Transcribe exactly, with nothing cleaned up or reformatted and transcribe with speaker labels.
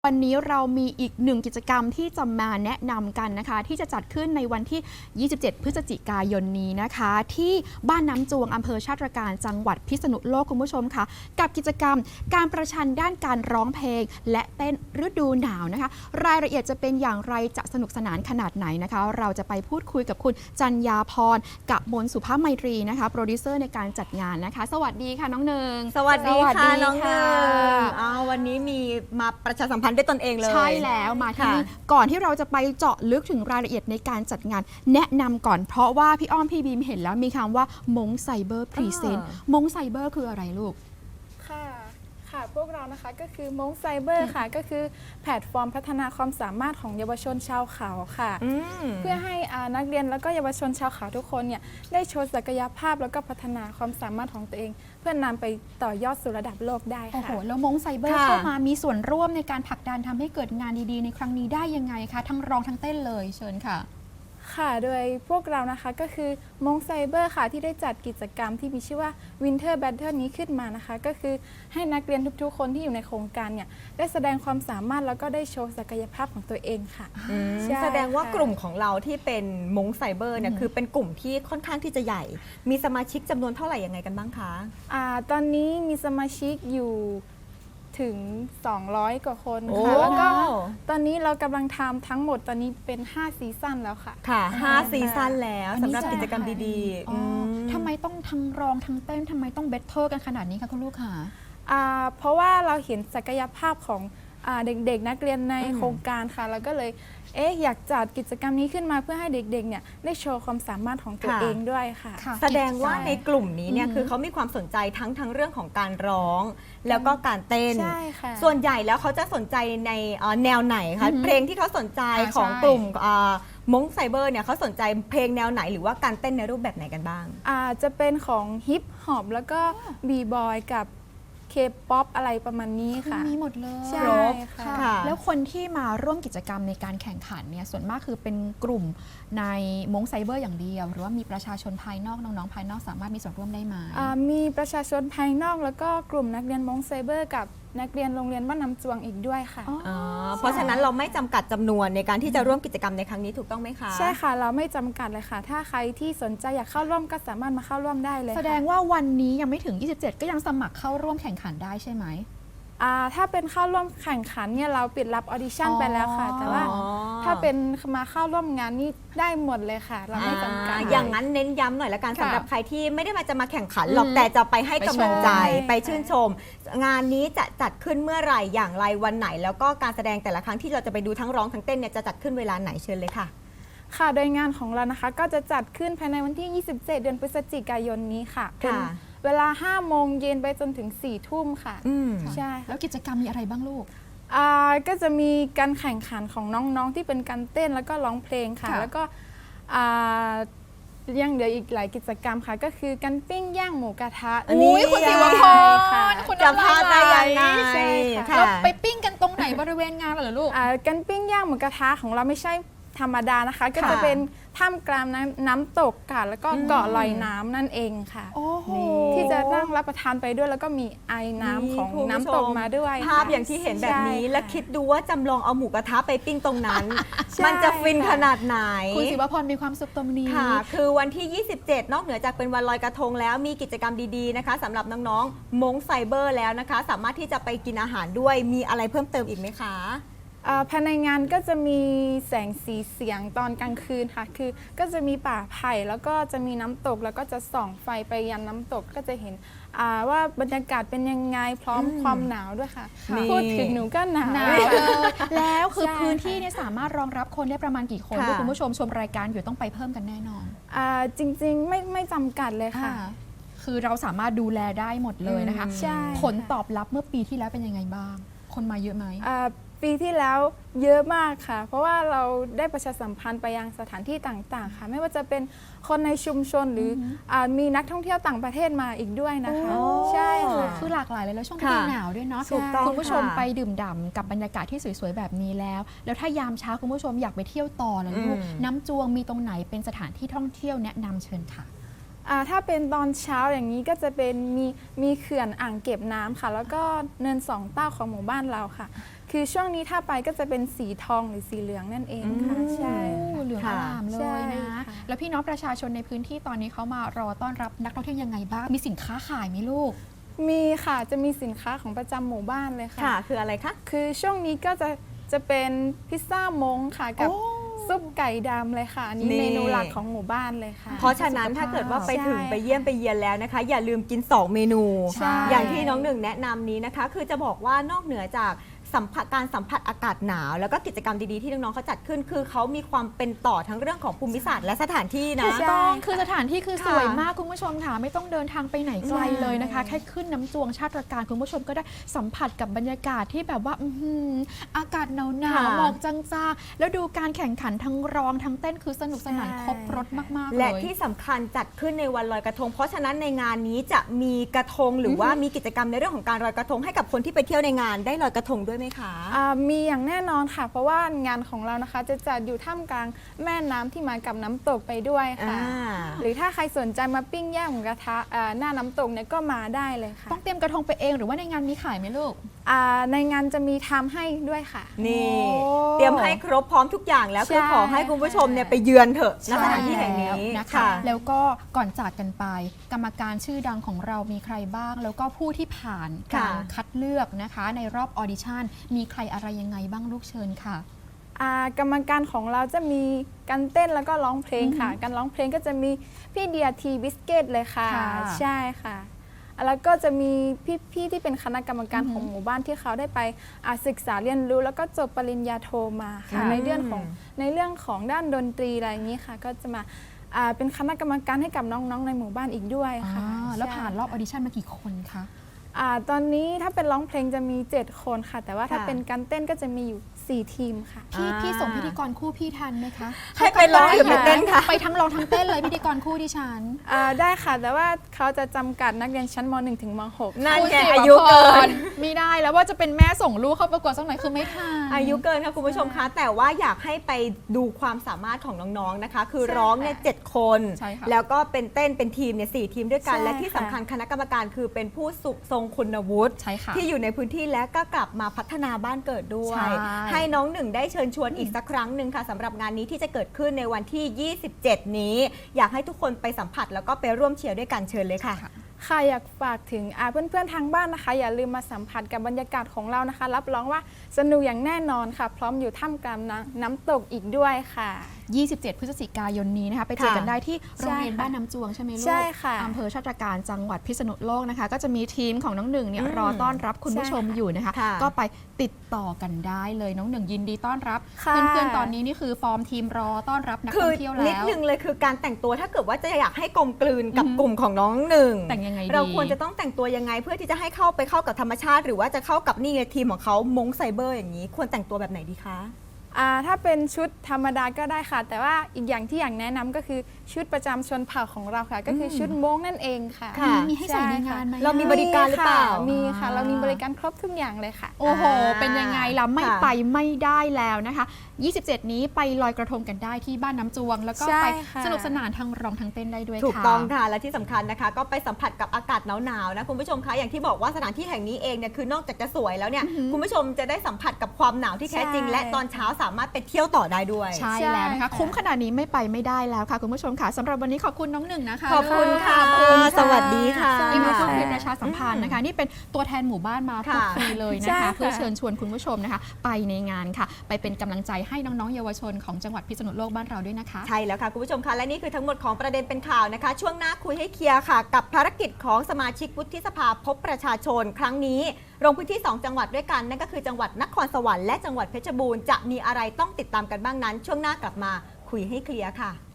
Speaker 1: วันนี้เรามีอีกหนึ่งกิจกรรมที่จะมาแนะนำกันนะคะที่จะจัดขึ้นในวันที่ ยี่สิบเจ็ด พฤศจิกายนนี้นะคะที่บ้านน้ำจวงอำเภอชาติตรการจังหวัดพิษณุโลกคุณผู้ชมค่ะกับกิจกรรมการประชันด้านการร้องเพลงและเต้นฤดูหนาวนะคะรายละเอียดจะเป็นอย่างไรจะสนุกสนานขนาดไหนนะคะเราจะไปพูดคุยกับคุณจัญญาพรกับมนสุภาพไมตรีนะคะโปรดิวเซอร์ในการจัดงานนะคะสวัสดีค่ะน้องเนือง
Speaker 2: สวัสดีค่ะน้อง
Speaker 1: ค่ะ
Speaker 2: เนืองอ้าววันนี้มีมาประชาสัมพันธ์ด้วยตนเองเลย
Speaker 1: ใช่แล้วมาที่นี่ก่อนที่เราจะไปเจาะลึกถึงรายละเอียดในการจัดงานแนะนำก่อนเพราะว่าพี่อ้อมพี่บีมเห็นแล้วมีคำว่ามงไซเบอร์พรีเซนต์มงไซเบอร์คืออะไรลูก
Speaker 3: ค่ะค่ะพวกเรานะคะก็คือมงไซเบอร์ค่ะก็คือแพลตฟอร์มพัฒนาความสามารถของเยาวชนชาวเขาค่ะเพื่อให้นักเรียนแล้วก็เยาวชนชาวเขาทุกคนเนี่ยได้โชว์ศักยภาพแล้วก็พัฒนาความสามารถของตัวเอง เพื่อนำไปต่อยอดสู่ระดับโลกได้ค่ะ
Speaker 1: โอ้โหแล้วมงไซเบอร์เข้ามามีส่วนร่วมในการผลักดันทำให้เกิดงานดีๆในครั้งนี้ได้ยังไงคะทั้งร้องทั้งเต้นเลยเชิญค่ะ
Speaker 3: ค่ะโดยพวกเรานะคะก็คือมงไซเบอร์ค่ะที่ได้จัดกิจกรรมที่มีชื่อว่า Winter Battle นี้ขึ้นมานะคะก็คือให้นักเรียนทุกๆคนที่อยู่ในโครงการเนี่ยได้แสดงความสามารถแล้วก็ได้โชว์ศักยภาพของตัวเองค่ะ
Speaker 2: แสดงว่ากลุ่มของเราที่เป็นมงไซเบอร์เนี่ยคือเป็นกลุ่มที่ค่อนข้างที่จะใหญ่ มีสมาชิกจำนวนเท่าไหร่ยังไงกันบ้างคะ
Speaker 3: อ่าตอนนี้มีสมาชิกอยู่ถึงสองร้อยกว่าคนค่ะแล้วก็ตอนนี้เรากำลังทำทั้งหมดตอนนี้เป็นห้าซีซั่นแล้วค่ะ
Speaker 2: ค่ะห้าซีซั่นแล้วสำหรับกิจกรรมดี
Speaker 1: ๆทำไมต้องทั้งร้องทั้งเต้นทำไมต้องเบทเทิลกันขนาดนี้คะคุณลูกค่ะ
Speaker 3: เพราะว่าเราเห็นศักยภาพของเด็กๆนักเรียนในโครงการค่ะแล้วก็เลยเอ๊ะอยากจัดกิจกรรมนี้ขึ้นมาเพื่อให้เด็กๆเนี่ยได้โชว์ความสามารถของตัวเองด้วยค่ะ
Speaker 2: แสดงว่าในกลุ่มนี้เนี่ยคือเขามีความสนใจทั้งทั้งเรื่องของการร้องแล้วก็การเต้นส่วนใหญ่แล้วเขาจะสนใจในแนวไหนคะเพลงที่เขาสนใจของกลุ่มมงไซเบอร์เนี่ยเขาสนใจเพลงแนวไหนหรือว่าการเต้นในรูปแบบไหนกันบ้าง
Speaker 3: อาจจะเป็นของฮิปฮอปแล้วก็บีบอยกับเคป๊อปอะไรประมาณนี้ค่ะ
Speaker 1: มีหมดเลย
Speaker 3: ใช่ค่ะ
Speaker 1: แล้วคนที่มาร่วมกิจกรรมในการแข่งขันเนี่ยส่วนมากคือเป็นกลุ่มในมงไซเบอร์อย่างเดียวหรือว่ามีประชาชนภายนอกน้องๆภายนอกสามารถมีส่วนร่วมได้ไหม
Speaker 3: มีประชาชนภายนอกแล้วก็กลุ่มนักเรียนมงไซเบอร์กับนักเรียนโรงเรียนบ้านน้ำจวงอีกด้วยค่ะ
Speaker 2: เพราะฉะนั้นเราไม่จำกัดจำนวนในการที่จะร่วมกิจกรรมในครั้งนี้ถูกต้องไหมคะ
Speaker 3: ใช่ค่ะเราไม่จำกัดเลยค่ะถ้าใครที่สนใจอยากเข้าร่วมก็สามารถมาเข้าร่วมได้เลย
Speaker 1: แสดงว่าวันนี้ยังไม่ถึงยี่สิบเจ็ดก็ยังสมัครเข้าร่วมแข่งขันได้ใช่ไหม
Speaker 3: ถ้าเป็นเข้าร่วมแข่งขันเนี่ยเราปิดรับออดิชั่นไปแล้วค่ะแต่ว่าถ้าเป็นมาเข้าร่วมงานนี่ได้หมดเลยค่ะเราไม่จำกัด
Speaker 2: อย่างนั้นเน้นย้ำหน่อยละกันสำหรับใครที่ไม่ได้มาจะมาแข่งขันหรอกแต่จะไปให้กำลังใจไปชื่นชมงานนี้จะจัดขึ้นเมื่อไหร่อย่างไรวันไหนแล้วก็การแสดงแต่ละครั้งที่เราจะไปดูทั้งร้องทั้งเต้นเนี่ยจะจัดขึ้นเวลาไหนเชิญเลยค่ะ
Speaker 3: ค่ะโดยงานของเรานะคะก็จะจัดขึ้นภายในวันที่ยี่สิบเจ็ดเดือนพฤศจิกายนนี้ค่ะเป็นเวลาห้าโมงเย็นไปจนถึงสี่ทุ่มค่ะ
Speaker 1: ใช่แล้วกิจกรรมมีอะไรบ้างลูก
Speaker 3: ก็จะมีการแข่งขันของน้องๆที่เป็นการเต้นแล้วก็ร้องเพลงค่ะแล้วก็ยังเหลืออีกหลายกิจกรรมค่ะก็คือการปิ้งย่างหมูกระทะ
Speaker 1: อันนี้คุณศิวพรคุณ
Speaker 2: จะพาไปยังไง
Speaker 1: เราไปปิ้งกันตรงไหนบริเวณงานเหรอลูก
Speaker 3: การปิ้งย่างหมูกระทะของเราไม่ใช่ธรรมดานะคะก็จะเป็นท่ามกลางน้ำน้ำตกค่ะแล้วก็เกาะลอยน้ำนั่นเองค่ะที่จะนั่งรับประทานไปด้วยแล้วก็มีไอน้ำของน้ำตกมาด้วย
Speaker 2: ภาพอย่างที่เห็นแบบนี้และคิดดูว่าจำลองเอาหมูกระทะไปปิ้งตรงนั้นมันจะฟินขนาดไหน
Speaker 1: คุณศิวพรมีความสุขตรงนี้
Speaker 2: ค่ะคือวันที่ยี่สิบเจ็ดนอกเหนือจากเป็นวันลอยกระทงแล้วมีกิจกรรมดีๆนะคะสำหรับน้องๆมงไซเบอร์แล้วนะคะสามารถที่จะไปกินอาหารด้วยมีอะไรเพิ่มเติมอีกไหมคะ
Speaker 3: ภายในงานก็จะมีแสงสีเสียงตอนกลางคืนค่ะคือก็จะมีป่าไผ่แล้วก็จะมีน้ำตกแล้วก็จะส่องไฟไปยันน้ำตกก็จะเห็นว่าบรรยากาศเป็นยังไงพร้อมความหนาวด้วยค่ะพูดถึงหนูก็หนาว
Speaker 1: แล้วคือพื้นที่เนี่ยสามารถรองรับคนได้ประมาณกี่คนคุณผู้ชมชมรายการอยู่ต้องไปเพิ่มกันแน่นอน
Speaker 3: จริงๆไม่ไม่จำกัดเลยค่ะ
Speaker 1: คือเราสามารถดูแลได้หมดเลยนะคะผลตอบรับเมื่อปีที่แล้วเป็นยังไงบ้างคนมาเยอะไหม
Speaker 3: ปีที่แล้วเยอะมากค่ะเพราะว่าเราได้ประชาสัมพันธ์ไปยังสถานที่ต่างๆค่ะไม่ว่าจะเป็นคนในชุมชนหรือมีนักท่องเที่ยวต่างประเทศมาอีกด้วยนะคะใช่ค่ะ
Speaker 1: คือหลากหลายเลยแล้วช่วงฤดูหนาวด้วยเนาะคุณผู้ชมไปดื่มด่ำกับบรรยากาศที่สวยๆแบบนี้แล้วแล้วถ้ายามเช้าคุณผู้ชมอยากไปเที่ยวต่อแล้วลูกน้ำจวงมีตรงไหนเป็นสถานที่ท่องเที่ยวแนะนำเชิญค่ะ
Speaker 3: อ่าถ้าเป็นตอนเช้าอย่างนี้ก็จะเป็นมีมีเขื่อนอ่างเก็บน้ำค่ะ แล้วก็เนินสองเต้าของหมู่บ้านเราค่ะ คือช่วงนี้ถ้าไปก็จะเป็นสีทองหรือสีเหลืองนั่นเองค่ะ
Speaker 2: อืม
Speaker 3: ใช่
Speaker 1: โอ้เหลืองอร่ามเล
Speaker 3: ใช่
Speaker 1: ยนะ
Speaker 3: ค่ะ
Speaker 1: แล้วพี่น้องประชาชนในพื้นที่ตอนนี้เขามารอต้อนรับนักท่องเที่ยวยังไงบ้าง มีสินค้าขายไหมลูก
Speaker 3: มีค่ะจะมีสินค้าของประจำหมู่บ้านเลยค่ะ
Speaker 2: ค่ะ คืออะไรคะ
Speaker 3: คือช่วงนี้ก็จะจะเป็นพิซซ่ามงค่ะกับ
Speaker 1: โอ้
Speaker 3: ซุปไก่ดำเลยค่ะอันนี้
Speaker 2: นี่
Speaker 3: เมนูหลักของหมู่บ้านเลยค่ะ
Speaker 2: เพราะฉะนั้น
Speaker 1: สุขภาพ
Speaker 2: ถ้าเกิดว่าไปถึง
Speaker 3: ใช่
Speaker 2: ไปเยี่ยมไปเยียนแล้วนะคะ อย่าลืมกิน สอง เมนู
Speaker 1: ใช่
Speaker 2: อย่างที่น้องหนึ่งแนะนำนี้นะคะ คือจะบอกว่านอกเหนือจากสัมผัสการสัมผัสอากาศหนาว แล้วก็กิจกรรมดีๆที่น้องๆเขาจัดขึ้น คือเขามีความเป็นต่อทั้งเรื่องของภูมิศาสตร์และสถานที่นะ
Speaker 1: ถูกต้องคือสถานที่คือ
Speaker 2: ค่ะ
Speaker 1: สวยมากคุณผู้ชมค่ะไม่ต้องเดินทางไปไหนไกล
Speaker 2: ใช่
Speaker 1: เลยนะคะ แค่ขึ้นน้ำจวงชาติตระการคุณผู้ชมก็ได้สัมผัสกับบรรยากาศที่แบบว่า อื้อหืออากาศหนาวหนาวหมอกจางๆแล้วดูการแข่งขันทั้งร้องทั้งเต้นคือสนุกสนาน
Speaker 3: ใช่
Speaker 1: ครบรถมากๆเลย
Speaker 2: และที่สำคัญจัดขึ้นในวันลอยกระทง เพราะฉะนั้นในงานนี้จะมีกระทงหรือว่ามีกิจกรรมในเรื่องของการลอยกระทงให้กับคนที่ไปเที่ยวในงานได้ลอยกระทงด้วยไหมคะ
Speaker 3: อ่ามีอย่างแน่นอนค่ะ เพราะว่างานของเรานะคะ จะจัดอยู่ท่ามกลางแม่น้ำที่มากับน้ำตกไปด้วยค่ะ
Speaker 2: อ่า
Speaker 3: หรือถ้าใครสนใจมาปิ้งย่างหมูกระทะอ่าหน้าน้ำตกเนี่ยก็มาได้เลยค่ะ
Speaker 1: ต้องเตรียมกระทงไปเองหรือว่าในงานมีขายไหมลูก
Speaker 3: อ่าในงานจะมีทำให้ด้วยค่ะ
Speaker 2: นี่
Speaker 1: โอ้
Speaker 2: เตรียมให้ครบพร้อมทุกอย่างแล้ว
Speaker 3: ใช่
Speaker 2: คือขอให้คุณผู้ชมเนี่ยไปเยือนเถอะณสถานที่แห่งนี้
Speaker 1: นะคะ
Speaker 2: ค่ะ
Speaker 1: แล้วก็ก่อนจากกันไป กรรมการชื่อดังของเรามีใครบ้าง แล้วก็ผู้ที่ผ่านการ
Speaker 2: ค่ะ
Speaker 1: คัดเลือกนะคะ ในรอบออดิชั่นมีใครอะไรยังไงบ้างลูกเชิญค่ะ
Speaker 3: อ่ากรรมการของเราจะมีการเต้นแล้วก็ร้องเพลงค่ะ การร้องเพลงก็จะมีพี่เดียทีบิสเกตเลยค่ะ
Speaker 1: ค่ะ
Speaker 3: ใช่ค่ะ แล้วก็จะมีพี่ๆที่เป็นคณะกรรมการของหมู่บ้านที่เขาได้ไปอ่าศึกษาเรียนรู้ แล้วก็จบปริญญาโทมาค่ะ
Speaker 2: อืม
Speaker 3: ในเรื่องของในเรื่องของด้านดนตรีอะไรอย่างนี้ค่ะ ก็จะมาอ่าเป็นคณะกรรมการให้กับน้องๆในหมู่บ้านอีกด้วยค่ะ
Speaker 1: อ่าแล้ว
Speaker 3: ใช่
Speaker 1: ผ่านรอบออดิชั่นมากี่คนคะ
Speaker 3: อ่าตอนนี้ถ้าเป็นร้องเพลงจะมีเจ็ดคนค่ะ แต่ว่าถ้า
Speaker 2: ค่ะ
Speaker 3: เป็นการเต้นก็จะมีอยู่สี่ทีมค่ะ
Speaker 1: พี่
Speaker 2: อ่า
Speaker 1: พี่ส่งพิธีกรคู่พี่ทันไหมคะ
Speaker 2: ให้ไปร้องหรือไปเต้นคะ
Speaker 1: ไปทั้งร้องทั้งเต้นเลยพิธีกรคู่ดิฉัน
Speaker 3: อ่าได้ค่ะ แต่ว่าเขาจะจำกัดนักเรียนชั้นม หนึ่ง ถึงม หก
Speaker 2: นั่น
Speaker 1: คุณ
Speaker 2: ไง
Speaker 1: สิ
Speaker 2: อายุเกิน
Speaker 1: ไม่ได้แล้วว่าจะเป็นแม่ส่งลูกเข้าประกวดสักหน่อยคือไม่ทัน
Speaker 2: อายุเกินค่ะคุณผู้ชมคะ แต่ว่าอยากให้ไปดูความสามารถของน้องๆนะคะ คือ
Speaker 3: ใช่
Speaker 2: ร้องเนี่ยเจ็ดคน
Speaker 1: ใช่ค่ะ
Speaker 2: แล้วก็เป็นเต้นเป็นทีมเนี่ยสี่ทีมด้วยกัน
Speaker 3: ใช่
Speaker 2: และที่สำคัญคณะกรรมการคือเป็นผู้สุทรงคุณวุฒิ
Speaker 1: ใช่ค่ะ
Speaker 2: ที่อยู่ในพื้นที่และก็กลับมาพัฒนาบ้านเกิดด้วย
Speaker 1: ใช่
Speaker 2: ให้น้องหนึ่งได้เชิญชวนอีกสักครั้งหนึ่งค่ะสำหรับงานนี้ที่จะเกิดขึ้นในวันที่ ยี่สิบเจ็ด นี้ อยากให้ทุกคนไปสัมผัสแล้วก็ไปร่วมเชียร์ด้วยกันเชิญเลยค่ะ
Speaker 3: ค่ะอยากฝากถึงอ่าเพื่อนๆทางบ้านนะคะ อย่าลืมมาสัมผัสกับบรรยากาศของเรานะคะ รับรองว่าสนุกอย่างแน่นอนค่ะ พร้อมอยู่ท่ามกลางน้ำน้ำตกอีกด้วยค่ะ
Speaker 1: ยี่สิบเจ็ด พฤศจิกายนนี้นะคะไปเจอกัน
Speaker 2: ค่ะ
Speaker 1: ได้ที่โรงเรียน
Speaker 3: ใช่ค่ะ
Speaker 1: บ้านน้ำจวงใช่ไหมลูก
Speaker 3: ใช่ค่ะ
Speaker 1: อำเภอชาติตระการจังหวัดพิษณุโลกนะคะ ก็จะมีทีมของน้องหนึ่งเนี่ย
Speaker 2: อืม
Speaker 1: รอต้อนรับคุณผู้ชม
Speaker 3: ใช่ค่ะ
Speaker 1: อยู่นะคะ
Speaker 2: ค่ะ
Speaker 1: ก็ไปติดต่อกันได้เลยน้องหนึ่งยินดีต้อนรับ
Speaker 3: ค่ะ
Speaker 1: เพื่อนๆตอนนี้นี่คือฟอร์มทีมรอต้อนรับนัก
Speaker 2: คื
Speaker 1: ท่
Speaker 2: อ
Speaker 1: องเที่ยว
Speaker 2: นิด
Speaker 1: แล้ว
Speaker 2: นึงเลยคือการแต่งตัวถ้าเกิดว่าจะอยากให้กลมกลืนกับ
Speaker 1: อือหือ
Speaker 2: กลุ่มของน้องหนึ่ง
Speaker 1: แต่งยังไงดี
Speaker 2: เราควรจะต้องแต่งตัวยังไงเพื่อที่จะให้เข้าไปเข้ากับธรรมชาติ หรือว่าจะเข้ากับนี่ไงทีมของเขามงไซเบอร์อย่างนี้ ควรแต่งตัวแบบไหนดีคะ
Speaker 3: อ่าถ้าเป็นชุดธรรมดาก็ได้ค่ะ แต่ว่าอีกอย่างที่อยากแนะนำก็คือชุดประจำชนเผ่าของเราค่ะ ก็คือชุดม้งนั่นเองค่ะ
Speaker 2: ค่ะ
Speaker 1: มีให้ใส่ในงานไหม
Speaker 2: เรามีบริการหรือเปล่า
Speaker 3: มีค่ะ เรามีบริการครบทุกอย่างเลยค่ะ
Speaker 1: โอ้โห
Speaker 2: อ่า
Speaker 1: เป็นยังไงล่ะไม่
Speaker 2: ค่ะ
Speaker 1: ไปไม่ได้แล้วนะคะ ยี่สิบเจ็ด นี้ไปลอยกระทงกันได้ที่บ้านน้ำจวง แล้วก็
Speaker 3: ใช่
Speaker 1: ไป
Speaker 3: ค่ะ
Speaker 1: สนุกสนานทั้งร้องทั้งเต้นได้ด้วยค่ะ
Speaker 2: ถูกต้องค่ะ และที่สำคัญนะคะ ก็ไปสัมผัสกับอากาศหนาวๆนะคุณผู้ชมคะอย่างที่บอกว่าสถานที่แห่งนี้เองเนี่ยคือนอกจากจะสวยแล้วเนี่ยคุณผู้ชมจะได้สัมผัสกับความหนาวที่แท้จริง
Speaker 3: ใช่
Speaker 2: และตอนเช้าสามารถไปเที่ยวต่อได้ด้วย
Speaker 1: ใช่
Speaker 3: ใช่
Speaker 1: แล้วนะคะ
Speaker 3: ค่ะ
Speaker 1: คุ้มขนาดนี้ไม่ไปไม่ได้แล้วค่ะ คุณผู้ชมค่ะสำหรับวันนี้ขอบคุณน้องหนึ่งนะคะ
Speaker 2: ขอบคุณค่ะ
Speaker 1: ขอบคุณค่ะ
Speaker 2: สวัสดีค่ะ
Speaker 1: ที่มาพูดคุยประชาสัมพันธ์นะคะ นี่เป็นตัวแทนหมู่บ้านมาพูดคุยเลยนะ
Speaker 3: ใช่
Speaker 1: คะ
Speaker 3: ค่ะ
Speaker 1: เพื่อเชิญชวนคุณผู้ชมนะคะ ไปในงานค่ะ ไปเป็นกำลังใจให้น้องๆเยาวชนของจังหวัดพิษณุโลกบ้านเราด้วยนะคะ
Speaker 2: ใช่แล้วค่ะ คุณผู้ชมคะและนี่คือทั้งหมดของประเด็นเป็นข่าวนะคะ ช่วงหน้าคุยให้เคลียร์ค่ะ กับภารกิจของสมาชิกวุฒิสภาพบประชาชน ครั้งนี้ลงพื้นที่ สอง จังหวัดด้วยกันนั่นก็คือจังหวัดนครสวรรค์และจังหวัดเพชรบูรณ์จะมีอะไรต้องติดตามกันบ้างนั้น ช่วงหน้ากลับมาคุยให้เคลียร์ค่ะ